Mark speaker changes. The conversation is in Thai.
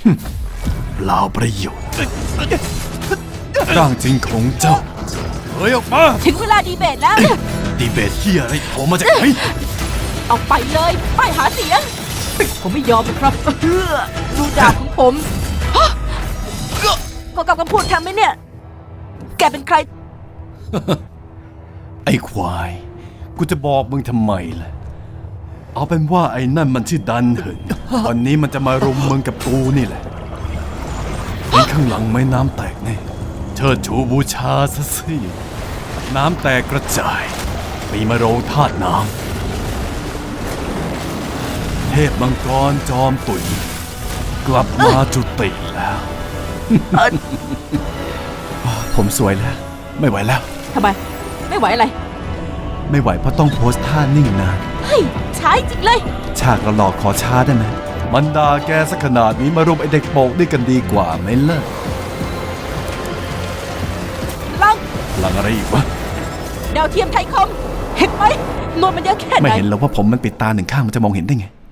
Speaker 1: เปล่าประโยชน์ร่างจริงของเจ้าเฮ้ยออกมา
Speaker 2: ถึงเวลาดีเบตแล้ว
Speaker 1: ดีเบตเฮียอะไรโผล่มาจากไหน
Speaker 2: เอาไปเลยป้ายหาเสียง ผมไม่ยอมนะครับดูดาบของผมก็กับคำพูดทำไหมเนี่ย แกเป็นใคร
Speaker 1: ไอ้ควาย กูจะบอกมึงทำไมล่ะ เอาเป็นว่าไอ้นั่นมันชื่อดันเหินวันนี้มันจะมารุมมึงกับกูนี่แหละไอ้ข้างหลังไม่น้ำแตกแน่เชิดชูบูชาซะสิน้ำแตกกระจายปีมะโรงธาตุน้ำเทพมังกรจอมตุ๋ยกลับมาจุติแล้ว ผมสวยแล้ว ไม่ไหวแล้ว
Speaker 2: ทำไม ไม่ไหวอะไร
Speaker 1: ไม่ไหวเพราะต้องโพสท่านิ่งนาน
Speaker 2: เฮ้ยช้าจริงเลย
Speaker 1: ฉากหลอกขอช้าได้ไหมมันด่าแกสักขนาดนี้มารุมไอเด็กโปกด้วยกันดีกว่าไหมเลิก
Speaker 2: ลัง
Speaker 1: หลังอะไรอีกวะ
Speaker 2: ดาวเทียมไทยคม เห็นไหมนวลมันเยอะแค่ไหน
Speaker 1: ไม่เห็นหรอกว่าผมมันปิดตาหนึ่งข้างมันจะมองเห็นได้ไง